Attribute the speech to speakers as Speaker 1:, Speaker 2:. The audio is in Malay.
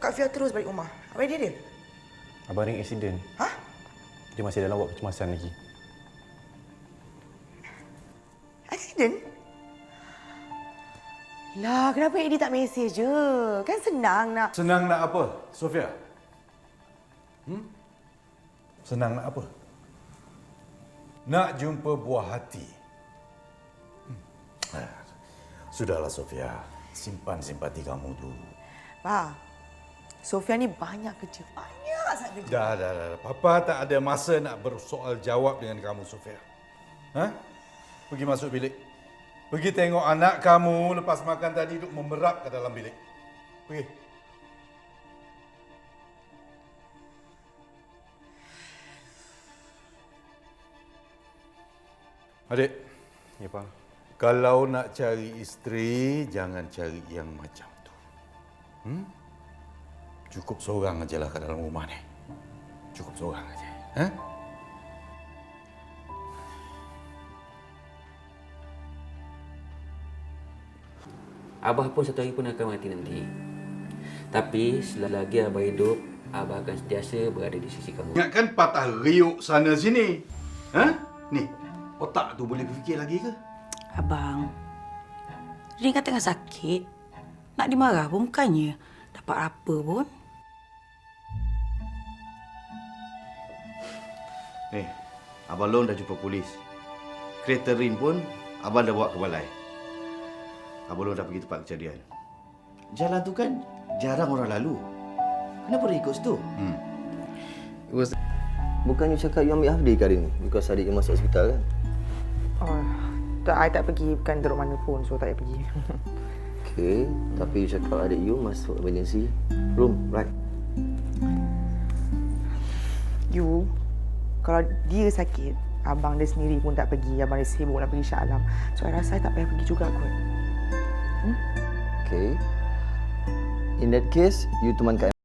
Speaker 1: Kak Fia terus balik rumah. Apa dia?
Speaker 2: Abang ring accident.
Speaker 1: Hah?
Speaker 2: Dia masih dalam wad kecemasan lagi.
Speaker 1: Accident? Lah, kenapa Eddie tak mesej je? Kan senang nak...
Speaker 3: Senang nak apa, Sofia? Senang nak apa? Nak jumpa buah hati. Sudahlah, Sofia. Simpan simpati kamu tu.
Speaker 1: Pa, Sofia ni banyak kerja. Banyak sangat kerja.
Speaker 3: Dah. Papa tak ada masa nak bersoal jawab dengan kamu, Sofia. Pergi masuk bilik. Pergi tengok anak kamu lepas makan tadi duduk memerap ke dalam bilik. Pergi. Adik.
Speaker 2: Ya, Pak.
Speaker 3: Kalau nak cari isteri, jangan cari yang macam tu. Cukup seorang ajalah kat dalam rumah ni. Cukup seorang aja.
Speaker 4: Abah pun satu hari pun akan mati nanti. Tapi selagi Abah hidup, Abah akan sentiasa berada di sisi kamu.
Speaker 3: Ingatkan patah riuk sana sini. Ni, otak tu boleh berfikir lagi ke?
Speaker 5: Abang, dia kan tengah sakit. Nak dimarah pun bukannya dapat apa pun.
Speaker 6: Ni, Abang Long dah jumpa polis. Kereta Rin pun Abang dah bawa ke balai. Abang Long dah pergi tempat kejadian. Jalan tu kan jarang orang lalu. Kenapa dia ikut situ?
Speaker 7: Bukannya cakap you ambil half day ke hari ni? Because adik you masuk hospital kan?
Speaker 1: Oh, I tak pergi. Bukan duduk mana pun. So, tak payah pergi.
Speaker 7: Okay, tapi you cakap adik you masuk emergency room, right?
Speaker 1: You, kalau dia sakit, abang dia sendiri pun tak pergi. Abang dia sibuk nak pergi Shah Alam. So, I rasa I tak payah pergi juga kot.
Speaker 7: Okay. In that case, you teman kat